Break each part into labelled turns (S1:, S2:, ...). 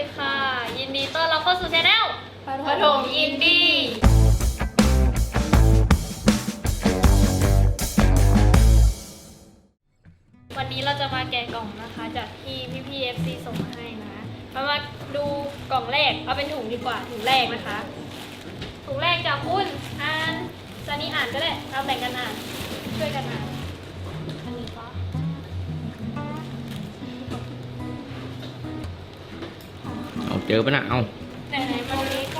S1: ค่ะ ยินดีต้อนรับเข้าสู่ช anel ปฐมอินดี้วันนี้เราจะมาแกะกล่องนะคะ จากที่พี่ๆ FC ส่งมาให้นะมาดูกล่องแรกเอาเป็นถุงดีกว่าถุงแรกนะคะถุงแรกจากคุณอ่านซานี่อ่านก็ได้เราแบ่งกันอ่านช่วยกันอ่านอันนี้ก็
S2: เอาเจอปะนะเอา
S1: ไหนมาดูนี้ก็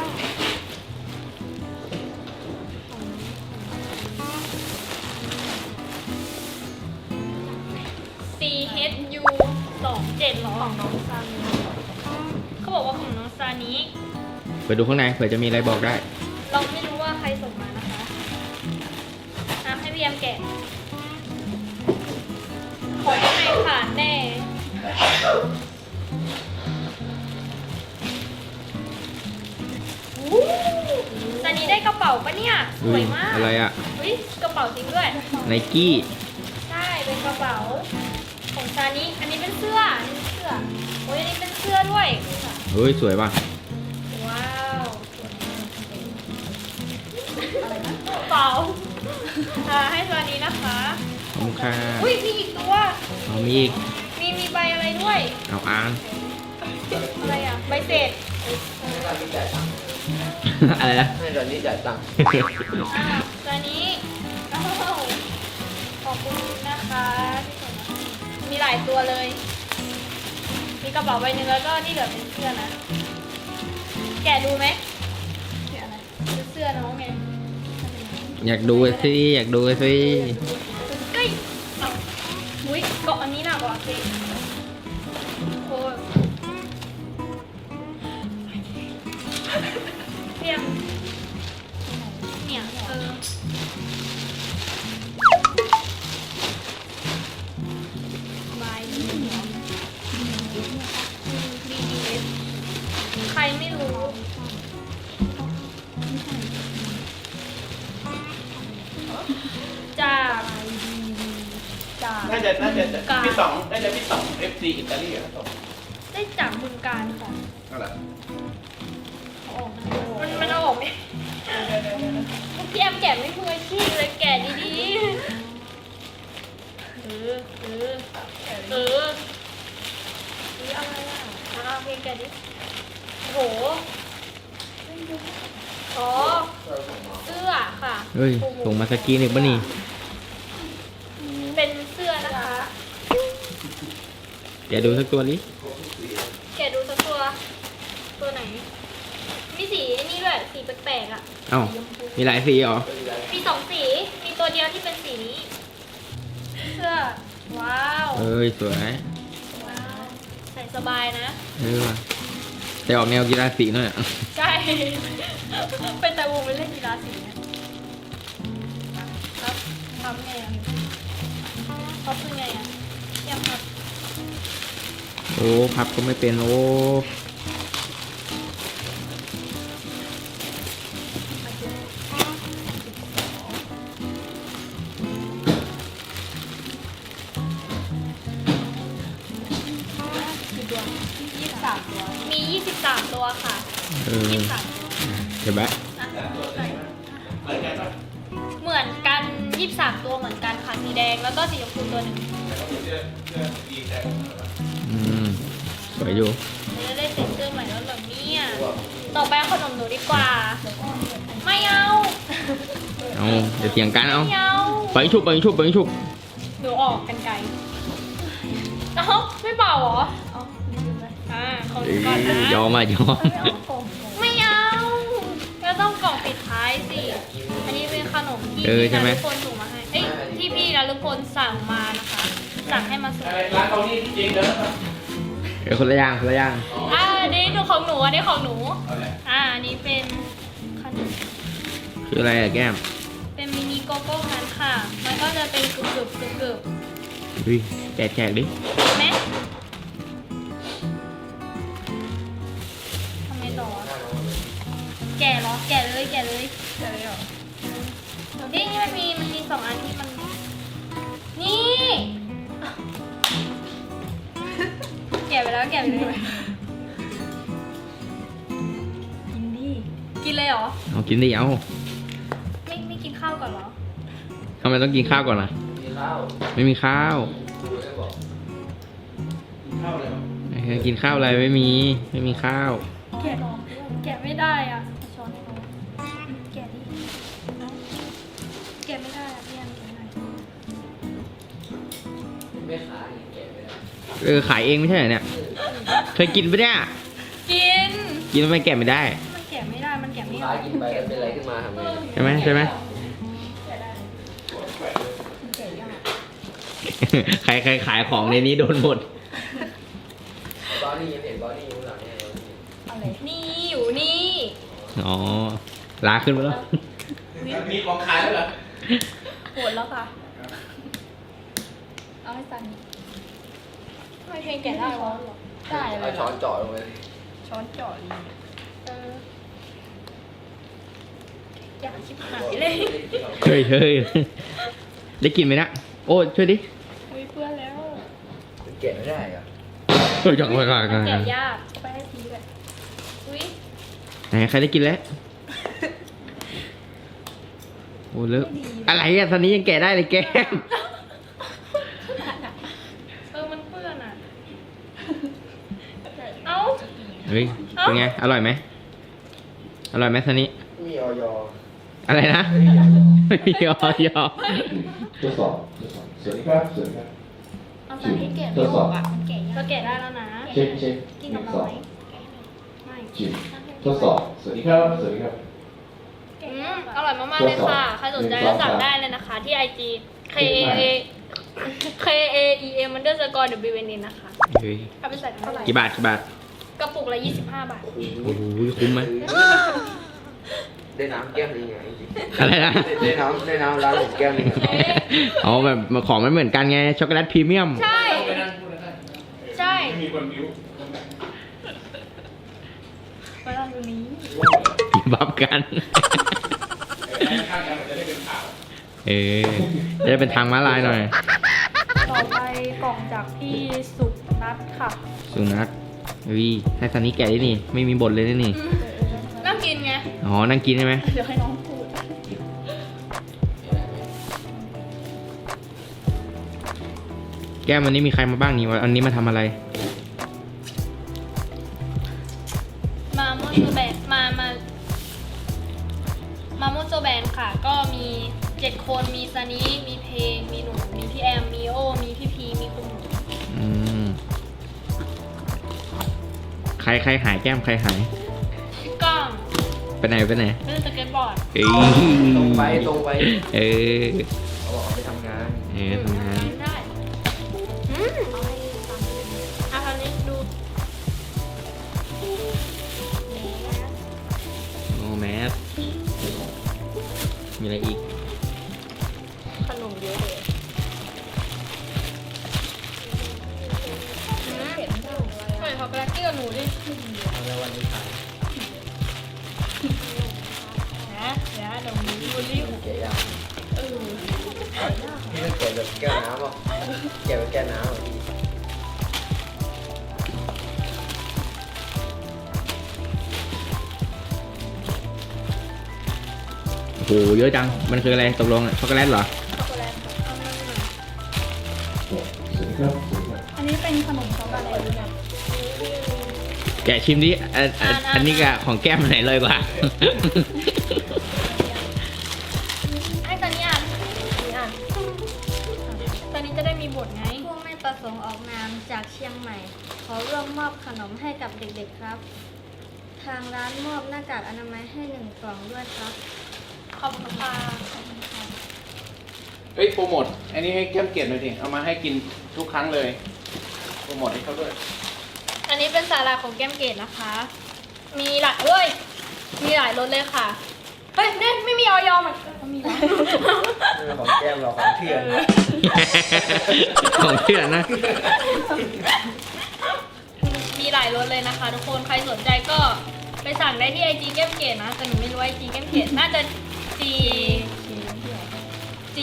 S1: CHU 27หรอของน้องซานิเขาบอกว่าของน้องซานิ
S2: ไปดูข้างในเผื่อจะมีอะไรบอกได้
S1: เราไม่รู้ว่าใครส่งมานะคะให้พี่แอมแกะของข้างในขาดแน่ซานิได้กระเป๋าปะเนี่ยสวยมาก
S2: อะไรอะ
S1: อุ๊ยกระเป๋าจริงด้วย
S2: ไนกี้
S1: ใช่เป็นกระเป๋าของซานิอันนี้เป็นเสื้ออันนี้เป็นเสื้อโอ้ยอันนี้เป็นเสื้อด้วย
S2: เฮ้ยสวยป่ะ
S1: ว้าวอะไรนะกระเป๋าให้ซานินะคะ
S2: ขอบคุณค่ะ
S1: อุ้ยมีอีกตัว
S2: เอามีอีก
S1: มีใบอะไรด้วย
S2: เอาอ่าน
S1: อะไรอ่ะใบเสร็จ
S2: อะไรนะ
S3: ให้ตอนนี้จ่ายตังค์
S1: ซานิอ้าวขอบคุณนะคะที่ส่งมาให้มีหลายตัวเลย มีกระเป๋าใบหนึงแล้วก็ที่เหลือเป็นเสื้อนะ แกะดูไหมแกะอะไรเสื้อน้องไง
S2: อยากดูสิอยากดูสิ
S1: เฮ้ยเอาอุ้ยเกาะอันนี้หนักกว่าสิโอ้ยเพียงเนี่ยบายดีใครไม่รู้จาก
S3: น่าจะพี่สองน่าจะพี่สอง FC อิตาลีครับผม
S1: ได้จากบึงการค่ะ
S3: นั่นแหละ
S1: มันเอาออกไหมพี่แอมแกะไม่มืออาชีพเลยแกะดีๆอะไรอ่ะเอาเพลงแกะดิโอ้โหอ๋อเสื้อค่ะ
S2: เฮ้ยส่งมาสกรีนอีกปะนี่
S1: เป็นเสื้อนะคะ
S2: เดี๋ยวดูสักตัวนี้
S1: แกะดูสักตัวไหนมีสีนี่ด้วยสีแปลกๆอ่ะ
S2: เอ้ามีหลายสีเหรอ
S1: มีสองสีมีตัวเดียวที่เป็นสีนี้เสื้อว้าว
S2: เอ้ยสวย
S1: ว้าวใส่สบายนะ
S2: ว่ะแต่ออกแนวกีฬาสีหน่อยอะ
S1: ใช่ เป็นแต่วงเป็นเล่นกีฬาสีนะครับทำไงอ่ะเขาคือไงอ่ะยังครับ
S2: โอ้พับก็ไม่เป็นโอ้
S1: 23 ตัวมี23 ตัวค่ะ
S2: เออ
S1: 23 ตัว
S2: เดี๋ยวแบะ
S1: นะเหมือนกัน23 ตัวเหมือนกันค่ะสีแดงแล้วก็สีชมพูตัวหนึ่ง
S2: อืมสวยอยู่
S1: จะได้เซ็นเซอร์ใหม่แล้วเหรอเนี่ยต่อไปเอาขนมหนูดีกว่า ไม่เอา
S2: เอาเดี๋ยวเถียงกันเอา
S1: ไม่เอา
S2: ไปชุบไปชุบไปชุบ
S1: หนูออกกันไกลเอ้าไม่เป่าเหรอของหนูก่อนนะ
S2: ยอมอ่ะยอม
S1: ไม่เอาก็ต้องกล่องปิดท้ายสิ อันนี้เป็นขนมที่
S2: ใช่ไหม
S1: ทุกคนส่งมาให้ เอ้ยที่พี่นะทุกคนสั่งมานะคะ สั่งให้มาส่ง
S3: ร้านเขานี่จริงเด้อ
S2: เดี๋ยวคนละอย่างคนละอย่าง
S1: อันนี้ดูของหนูอันนี้ของหนูอันนี้เป็นขนม
S2: คืออะไรอะแก้ม
S1: เป็นมินิโกโก้นั้นค่ะ มันก็จะเป็นกรึบ
S2: เฮ้ยแจกดิ
S1: ไหมทำไมต่อแก่เหรอ แก่เลยเหรอนี่มันมี2 อันที่มัน นี่ แก่ไปเลยเลยเหรอ
S2: เอากินดิเอา
S1: ไม่กินข้าวก่อนเหรอ
S2: ทำไมต้องกินข้าวก่อนล่ะ
S3: มีข้าว
S2: ไม่มีข้าว
S3: ดูได้บอกมีข้าวเลยเหรอ
S2: กินข้าวอะไรไม่มีข้าว
S1: แกะไม่ได้อ่ะช้อนเขาแกะดิแกะไม่ได้อ่ะพี่อันแกะหน่อย
S3: ไม่ขายแกะไม่ได้
S2: ขายเองไม่ใช่เหรอเนี่ย เคยกินปะเนี่ย
S1: กิน
S2: กินแล้วไม่แกะไม่ได้
S1: มันแกะไม่ได้ มันแกะไม่อ
S3: ขา
S1: อย ก
S3: กินไปแล้วเป็นอะไรขึ้นมาทำไง
S2: ใช่ไหมใช่ไหม ใครขายของในนี้โดนหมด
S3: บอนี่ยังเห็นบอนี่อยู่หลังเนี่ย
S1: นี่อยู่นี่
S2: อ๋อ ลาขึ้นมาแล้ว
S3: มีของขายแล้วเหรอ
S1: หมดแล้วค่ะ เอาให้ซันไม่เพลงแกะได้หรอได้เล
S3: เอา
S1: ย
S3: ช้อนเจาะลงไป
S1: ช้อนเจาะเลยอยากชิบหายเลย
S2: เฮ้ยได้กินไหมนะโอ้ช่วยดิ
S1: อุ้ยเพื่อนแล้ว
S3: แกะไม่ได้เหรอ
S2: เฮ้ยจังเลย
S1: มันแกะยากไปให้ทีเลยอุ้ย
S2: ไหนใครได้กินแล้ว โอ้เลิกอะไรอ่ะตอนนี้ยังแกะได้เลยแก
S1: มันเปื้อนอ่ะ เอ้า
S2: เฮ้ย เป็นไง อร่อยไหม อร่อยไหมตอนนี้
S3: มีออย
S2: อะไรนะ ไม่มีออย
S4: ทดสอบสวัสดีครับสวัสดีครับ
S1: เอาซันให้แกะไม่ออกอ่ะมันแกะยากก็แกะได้แล้วนะ
S4: เช็คเช็ค
S1: กิน
S4: ห
S1: กั
S4: นึ่
S1: บ
S4: ง
S1: เรา
S4: สอ
S1: ไห
S4: ง
S1: มไม่
S4: จิบทดสอบสวัสดีครับสวัสดีครับ
S1: อร่อยมากๆเลยค่ะ ใครสนใจก็สั่งได้เลยนะคะ ที่ IG KAEM underscore WNN นะคะ
S2: เฮ้ย
S1: เอาไปใส่เท่าไหร่
S2: กี่บาท
S1: กระปุกละ25 บาท
S2: โอ้โหคุ้มไหม
S3: ได้น้ำแก้วนึงไงจริง
S2: อะไรนะ
S3: ได้น้ำร้านผมแก้วนึง
S2: อ๋อแบบของมันเหมือนกันไง ช็อกโกแลตพรีเมียม
S1: ใช่ ใช่
S3: ไม่มีคนบิ้ว
S1: ไปลองดูนี้
S2: บับกัน
S3: ข้างกันมันจะได้เป็นขาว
S2: เออจะได้เป็นทางม้าลายหน่อย
S1: ต่อไปกล่องจากพี่สุนัทค่ะ
S2: สุนัขวิให้ซันนี่แกะดินี่ ไม่มีบทเลยนี่
S1: น่ากินไง
S2: อ๋อ นั่งกินใช่ไหม
S1: เดี๋ยวให้น้องพูด
S2: แก้มวันนี้มีใครมาบ้างนี่วันนี้มาทำอะไร
S1: มาโมโซแบนมาโมโซแบนค่ะ ก็มี 7 คน มีซานิมีเพลง มีหนู มีพี่แอม มีโอ มีพี่พี มีคุณหนู
S2: อืม ใครหายแก้มใครหาย
S1: พี่ก้อง
S2: ไปไหน
S1: เล่นสเก็ตบอร์ด
S2: เอ้ย
S3: ตรงไป
S2: เออ
S3: เขาบอกไปทำงาน
S2: ทำงาน
S1: ได้เอาทางนี้ดู
S2: โอ้แมส มีอะไรอีก
S1: ขนมเยอะเลยใส่ช็อกโกแลตกับหนูดิ
S3: แล้ววันนี้ขาย
S1: นะเดี๋ยวหนูบูลลี่
S3: แกะยากนี่แกะแบบแก้วน้ำอ่ะแกะแบบแก้วน้ำอ่ะพี่
S2: โอ้โห เยอะจัง มันคืออะไรตกลงอะช็อกโกแลตเหรอ
S1: ช็อกโกแลตเอามาหน่อย
S4: สวัสดีครับสวัสดีครับ
S1: อันนี้เป็นขนมช็อกโกแลตเนี่ย
S2: แกะชิมดิอันนี้กับของแก้มอันไหนเลยกว่า
S1: ไอ้ตอนนี้อ่านตอนนี้จะได้มีบทไง
S5: ผู้ไม่ประสงค์ออกนามจากเชียงใหม่ ขอร่วมมอบขนมให้กับเด็กๆครับ ทางร้านมอบหน้ากากอนามัยให้1 กล่องด้วยครับ
S1: ขอบคุณค่ะ
S3: เฮ้ยโปรโมทอันนี้ให้แก้มเกียรติหน่อยดิเอามาให้กินทุกครั้งเลยโปรโมทให้เขาด้วย
S1: อันนี้เป็นสาหร่ายของแก้มเกดนะคะ มีหลายมีหลายรสเลยค่ะ เฮ้ยเนี่ยไม่มีออยอมันมีวะ
S3: ของแก้มเราของเพื่อน
S2: ของเพื่อนนะ
S1: มีหลายรสเลยนะคะ ทุกคนใครสนใจก็ไปสั่งได้ที่ไอจีแก้มเกดนะ แต่หนูไม่รู้ไอจีแก้มเกดน่าจะ G G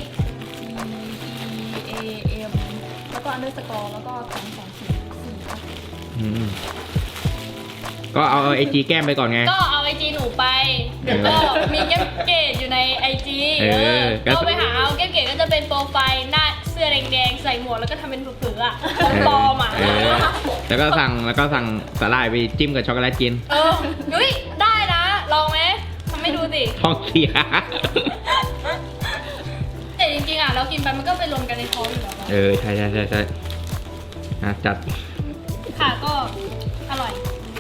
S6: A M แล้วก็ underscore แล้วก็2 2 4 4ค่ะ
S2: อืมก็เอาไอจีแก้มไปก่อนไง
S1: ก็เอาไอจีหนูไปเดี๋ยวก็มีแก้มเกดอยู่ในไอจี ก็ไปหาเอาแก้มเกดก็จะเป็นโปรไฟล์หน้าเสื้อแดงๆใส่หมวกแล้วก็ทำเป็นเผือๆอ่ะปลอมอ่ะ
S2: แล้วก็สั่งสาหร่ายไปจิ้มกับช็อกโกแลตกิน
S1: ยุ้ยได้นะลองไหมทำให้ดูสิ
S2: ท้องเสีย
S1: แต่จริงๆอ่ะเรากินไปมันก็ไปรวมกันในท้องอยู่แล้วอะ
S2: ใช่จัด
S1: ค่ะก็อร่อย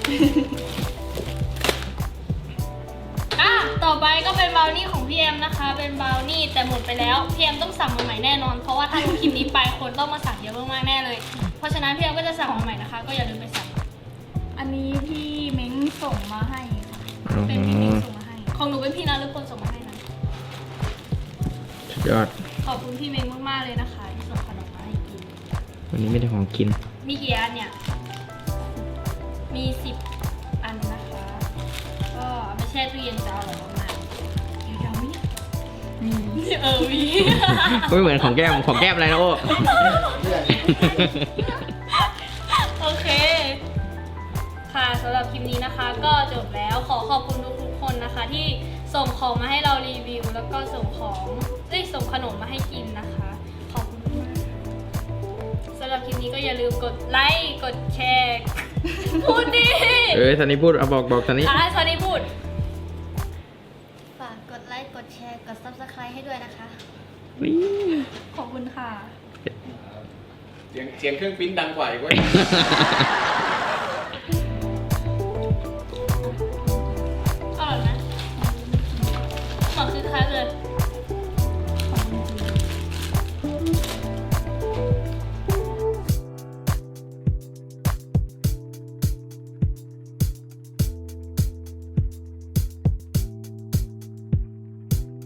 S1: ต่อไปก็เป็นบราวนี่ของพี่เอ็มนะคะ เป็นบราวนี่แต่หมดไปแล้วพี่เอ็มต้องสั่งมาใหม่แน่นอน เพราะว่าถ้าดูคลิปนี้ไปคนต้องมาสั่งเยอะมากๆแน่เลย เพราะฉะนั้นพี่เอ็มก็จะสั่งมาใหม่นะคะ ก็อย่าลืมไปสั่ง
S5: อันนี้พี่เม้งส่งมาให้ค่ะ
S1: เป็นพี่เม้งส่งมาให้ ของหนูเป็นพี่นารุพลส่งมาให้นะ
S2: สุดยอด
S1: ขอบคุณพี่เม้งมากๆเลยนะคะที่ส่งขนมมาให้กิน
S2: วันนี้ไม่ได้ของกิน
S1: มีกี่อันเนี่ย มี10 อันนะคะ ก็เอาไปแช่ตู้เย็นจะอร่อยมากๆอยู่ยาวไหมเนี่ยมี มี
S2: ไม่เหมือนของแก้มอะไรนะโอ้
S1: โอเค ค่ะสำหรับคลิปนี้นะคะ ก็จบแล้วขอขอบคุณทุกๆคนนะคะ ที่ส่งของมาให้เรารีวิว แล้วก็ส่งขนมมาให้กินนะคะ ขอบคุณมากสำหรับคลิปนี้ก็อย่าลืมกดไลค์กดแชร์ พูดดิ
S2: ซันนี่พูดเอาบอกซันนี่
S1: สวัสดีพูด
S5: ฝากกดไลค์ กดแชร์ กด Subscribe ให้ด้วยนะคะ
S1: ขอบคุณค่ะ
S3: เสียงเครื่องปริ้นดังกว่าอีกเว้ย